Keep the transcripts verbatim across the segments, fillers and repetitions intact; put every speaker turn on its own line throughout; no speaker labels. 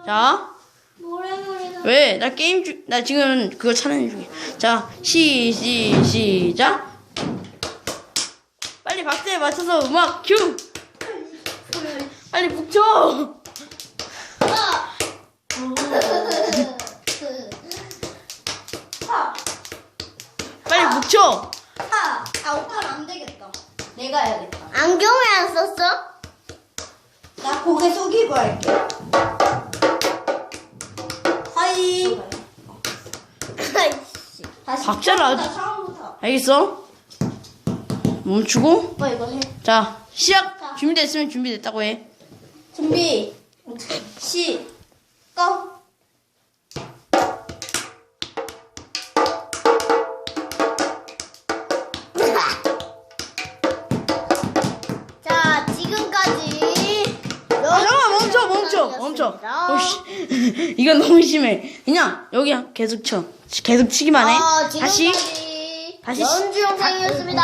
자,
노래노래가.
왜? 나 게임 중, 나 지금 그거 촬영 중이야. 자, 시, 시, 시작. 빨리 박자에 맞춰서 음악 큐. 빨리 북쳐.
아.
빨리 북쳐.
아, 아 오빠는 안 되겠다. 내가 해야겠다. 안경을 안 썼어? 나 고개 숙이고 할게. 하이. 아이씨. 다시
박자를 아주-
처음부터, 처음부터.
알겠어? 멈추고.
오빠 이거 해.
자, 시작.
자.
준비됐으면 준비됐다고 해.
준비. 시. 고. 자, 지금까지
아, 잠깐만, 멈춰, 멈춰, 멈춰. 오씨, 이건 너무 심해. 그냥 여기 계속 쳐. 계속 치기만 해.
어,
다시,
지금까지
다시
연주 영상이었습니다.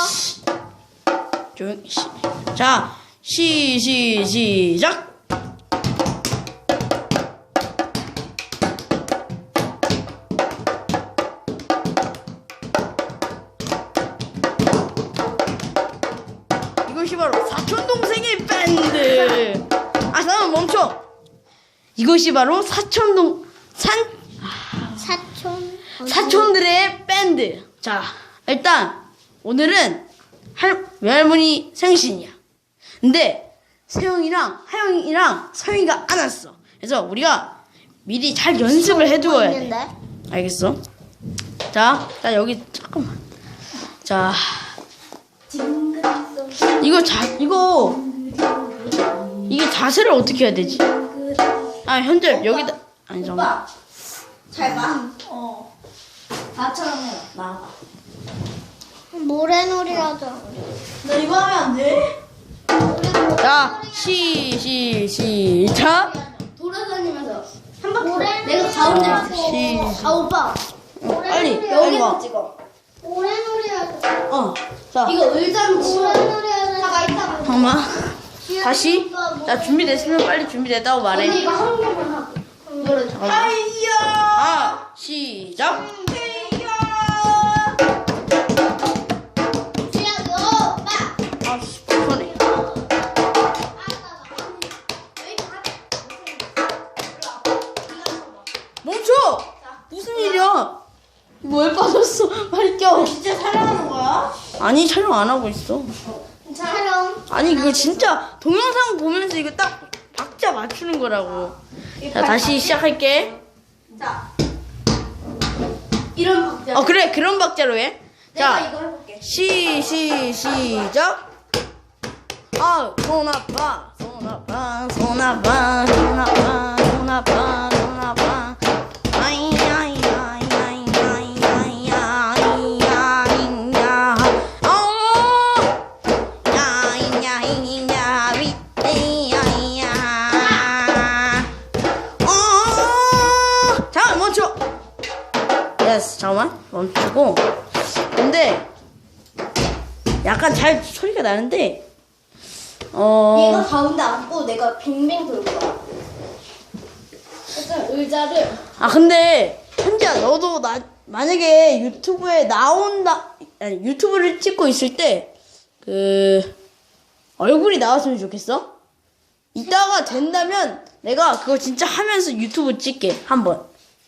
조용. 시. 자, 시, 시, 시작. 이것이 바로 사촌 동생의 밴드. 아, 잠깐만 멈춰. 이것이 바로 사촌동 산
사촌.
사촌들의 밴드. 자, 일단 오늘은 할 외할머니 생신이야. 근데 세영이랑 하영이랑 서영이가 안 왔어. 그래서 우리가 미리 잘 연습을 해두어야 돼.
있는데?
알겠어? 자, 자 여기 잠깐만. 자, 이거 자 이거 이게 자세를 어떻게 해야 되지? 아, 현재 여기다 아니 잠깐.
오빠, 잘 봐. 어. 나처럼 해. 나와봐. 모래놀이 하자.
나 이거 하면 안 돼?
자, 시, 시, 시작.
돌아다니면서 한 바퀴.
모래놀이
내가 가운데
자,
있어.
시,
아 오빠.
빨리, 빨리
여기서
와.
찍어.
모래놀이 하자.
어, 자,
이거 의자로 치워.
모래놀이 하자.
잠깐 이따.
잠깐만. 다시. 자, 준비됐으면 빨리 준비됐다고 말해.
언니 이거 한 번만 하고. 이거를 잠깐.
하이야.
아, 시작.
치아도 오빠.
아, 씨, 불편해. 멈춰! 무슨 일이야? 뭐 왜 빠졌어? 빨리 껴.
진짜 촬영하는 거야?
아니, 촬영 안 하고 있어.
촬영.
아니, 그거 진짜 동영상 보면서 이거 딱 박자 맞추는 거라고. 자, 다시 시작할게.
자. 이런 박자.
어, 그래, 그런 박자로 해.
내가
자,
이거 해볼게.
시, 시, 시작. 아, 손 아파, 손 아파, 손 아파, 손 아파, 손 아파, 손 아파. 아이, 아이, 아이, 아이, 아이, 아이, 아이, 아이, 야. 어! 야이, 야이, 야이, 야이, 야. 어! 잠깐 멈춰. 예스, 잠깐만 멈추고. 근데 약간 잘 소리가 나는데 어.
얘가 가운데 앉고 내가 빙빙 돌 거야. 일단 의자를.
아, 근데 현지야, 너도 나 만약에 유튜브에 나온다, 아니 유튜브를 찍고 있을 때 그 얼굴이 나왔으면 좋겠어. 이따가 된다면 내가 그거 진짜 하면서 유튜브 찍게 한번.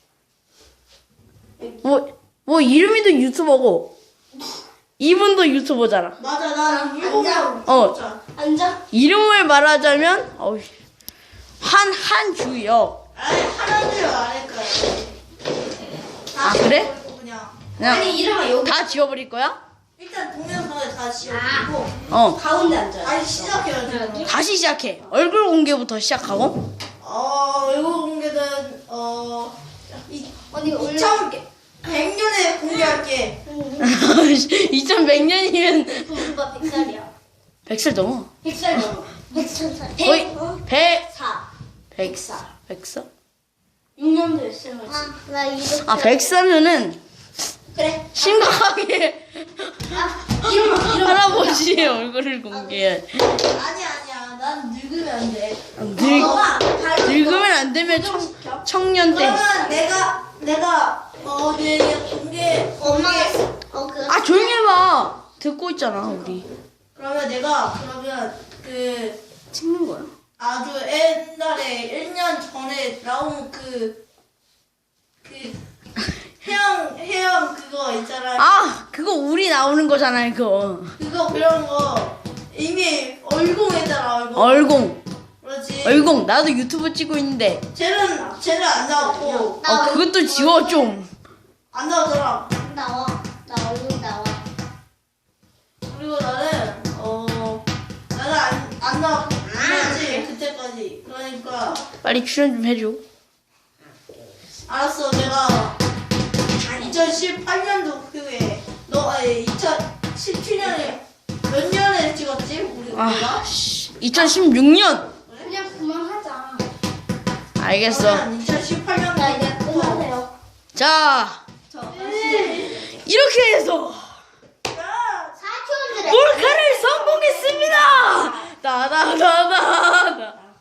뭐 뭐 이름이도 유튜버고 이분도 유튜버잖아.
맞아, 나 일곱 명.
어,
앉아.
이름을 말하자면 어우, 한 한주혁.
아니, 하나도 안 할 거야.
아, 그래?
그냥.
그냥
아니 이름은 여기.
다 지워버릴 거야?
일단 동영상에 다 지워주고.
어.
가운데 앉아.
다시 시작해야지.
다시 시작해. 얼굴 공개부터 시작하고.
어, 이거 공개는, 어, 이,
언니 이거 올려.
이천백 년에 공개할게.
이천백 년이면
오빠 백 살이야.
백 살 넘어.
백 살 넘어. 백천 살.
거의 백,
사.
백 살. 백 살?
육 년 됐으면.
아, 나 이거.
아, 백 살면은
그래.
심각하게
아 이름만 이름.
할아버지의 얼굴을 공개해.
아니야, 아니야. 난 늙으면 안 돼.
늙,
너가 잘
늙으면 안 되면 청, 청년 때.
그러면 내가 내가 어 내가 공개
엄마가
공개
어 그.
아 조용히 해봐. 듣고 있잖아 우리.
그러면 내가 그러면 그
찍는 거야.
아주 옛날에 일 년 전에 나온 그 그 해양 해양 그거 있잖아.
아 그거 우리 나오는 거잖아 그거.
그거 그런 거 이미 얼공했잖아 얼공.
얼공.
그렇지.
얼공. 나도 유튜브 찍고 있는데.
쟤는 쟤는 안 나왔고
아 그것도 지워 좀.
안 나오더라.
나와. 나 얼굴 나와.
그리고 나는 어 나는 안, 안 나왔지 그때까지. 그러니까
빨리 출연 좀 해줘.
알았어. 내가 이천십팔 년도 후에 너 아니 이천십칠 년에 몇 년에 찍었지 우리 우리가?
아 씨. 이천십육 년.
그냥 그만하자.
알겠어.
그러면 이천십팔 년도
나 이제 그만해요.
자 이렇게 해서
사촌들의
몰카를 성공했습니다. 따다다다다.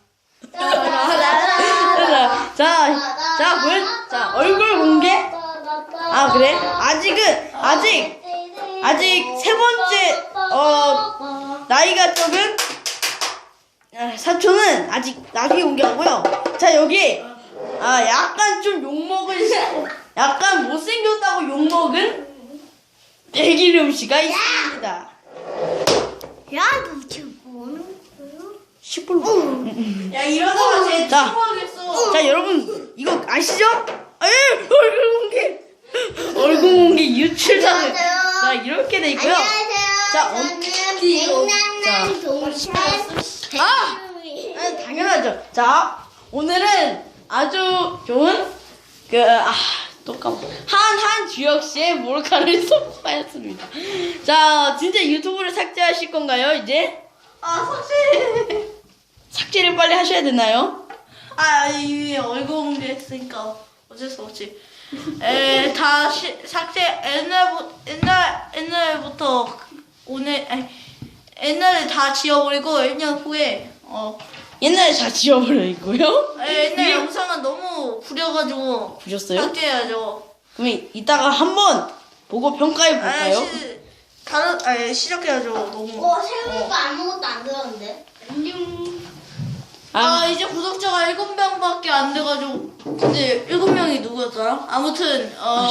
자, 자, 보여, 자, 얼굴 공개? 아, 그래? 아직은, 아직, 아직 세 번째, 어, 나이가 적은, 아, 사촌은 아직 나중에 공개하고요. 자, 여기, 아, 약간 좀 욕먹은, 약간 못생겼다고 욕먹은 백일음 씨가 있습니다.
야, 너 지금 뭐 하는 거야?
시뻘
야 이러다가 쟤
자.
친구하겠어.
자 여러분 이거 아시죠? 에 얼굴 공개 얼굴 공개 유출자는 자 이렇게 돼 있고요.
안녕하세요.
자, 어,
저는
자.
백남남 동생
아!
백일음이.
아, 당연하죠. 자 오늘은 아주 좋은 그아또 까먹 한한 주혁 씨의 몰카를 선보였습니다. 자 진짜 유튜브를 삭제하실 건가요 이제?
아 삭제.
삭제를 빨리 하셔야 되나요?
아 이미 얼굴 공개했으니까 어쩔 수 없지. 에 다시 삭제 옛날부 옛날 옛날부터 오늘 아니, 옛날에 다 지워버리고 일 년 후에 어
옛날에 다 지워버리고요.
에, 옛날
이게-
영상은 너무 구려가지고
보셨어요?
삭제해야죠.
그럼 이따가 한번 보고 평가해 볼까요?
아니, 시, 다른 아니 시작해야죠. 너무.
어, 세우니까 아무것도 안 들었는데. 안녕.
아
아,
이제 구독자가 일곱 명밖에 안 돼가지고 근데 일곱 명이 누구였더라? 아무튼 어.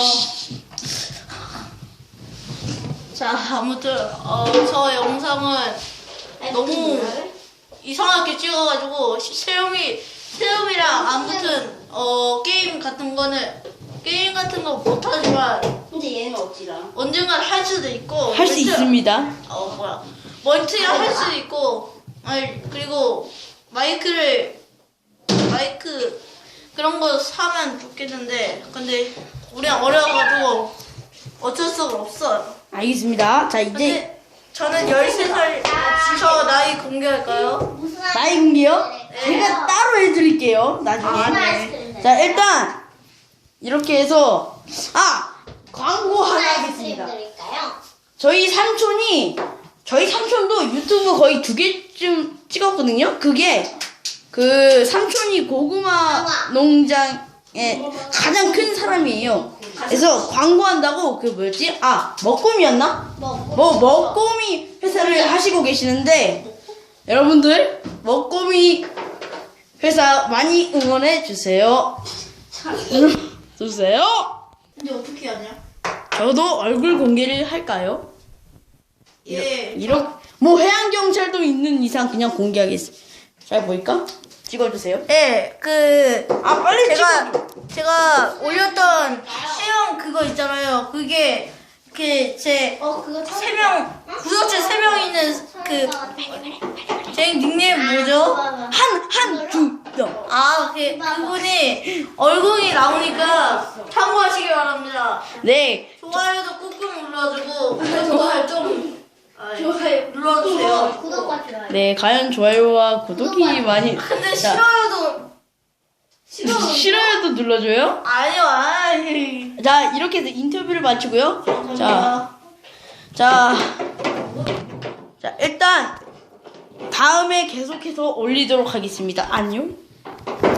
자 아무튼 어저 영상은 너무 이상하게 찍어가지고 시- 세영이 세영이랑 아무튼 어 게임 같은 거는 게임 같은 거 못하지만
근데 얘는 어찌라?
언젠간 할 수도 있고
할 수
멀티-
있습니다.
어 뭐야 멀티를 할 수도 있고 아니 그리고 마이크를 마이크 그런 거 사면 좋겠는데 근데 우리는 어려워가지고 어쩔 수가 없어요.
알겠습니다. 자, 이제
근데 저는 열세 살 저 나이 공개할까요?
무슨
나이 공개요?
네.
제가 따로 해드릴게요. 나중에.
아,
네.
자, 일단 이렇게 해서 아 광고 하나 하겠습니다.
드릴까요?
저희 삼촌이 저희 삼촌도 유튜브 거의 두 개쯤 찍었거든요. 그게 그 삼촌이 고구마 농장의 가장 큰 사람이에요. 그래서 광고한다고 그 뭐였지? 아 먹곰이었나?
뭐?
뭐 먹곰이 회사를 하시고 계시는데 여러분들 먹곰이 회사 많이 응원해 주세요. 주세요.
근데 어떻게 하냐?
저도 얼굴 공개를 할까요?
예.
이렇게 뭐 해양 경찰도 있는 이상 그냥 공개하겠습니다. 잘 보일까? 찍어주세요.
예, 그
아 빨리
제가
찍어.
제가 올렸던 시험 그거 있잖아요. 그게 그제
어, 그거
세 명 구독자 세 명 있는 그 제 닉네임 뭐죠?
한한두 명.
아, 그 그분이 얼굴이 나오니까 참고하시기 바랍니다.
네.
좋아요도 꾹꾹 눌러주고 그 좋아요 좀 좋아요 눌러주세요.
구독과 좋아요.
네, 과연 좋아요와 구독이 많이.
근데
자,
싫어요도 싫어
싫어요도 눌러줘요.
아니요, 아이.
자, 이렇게 해서 인터뷰를 마치고요. 자,
감사합니다.
자, 자 일단 다음에 계속해서 올리도록 하겠습니다. 안녕.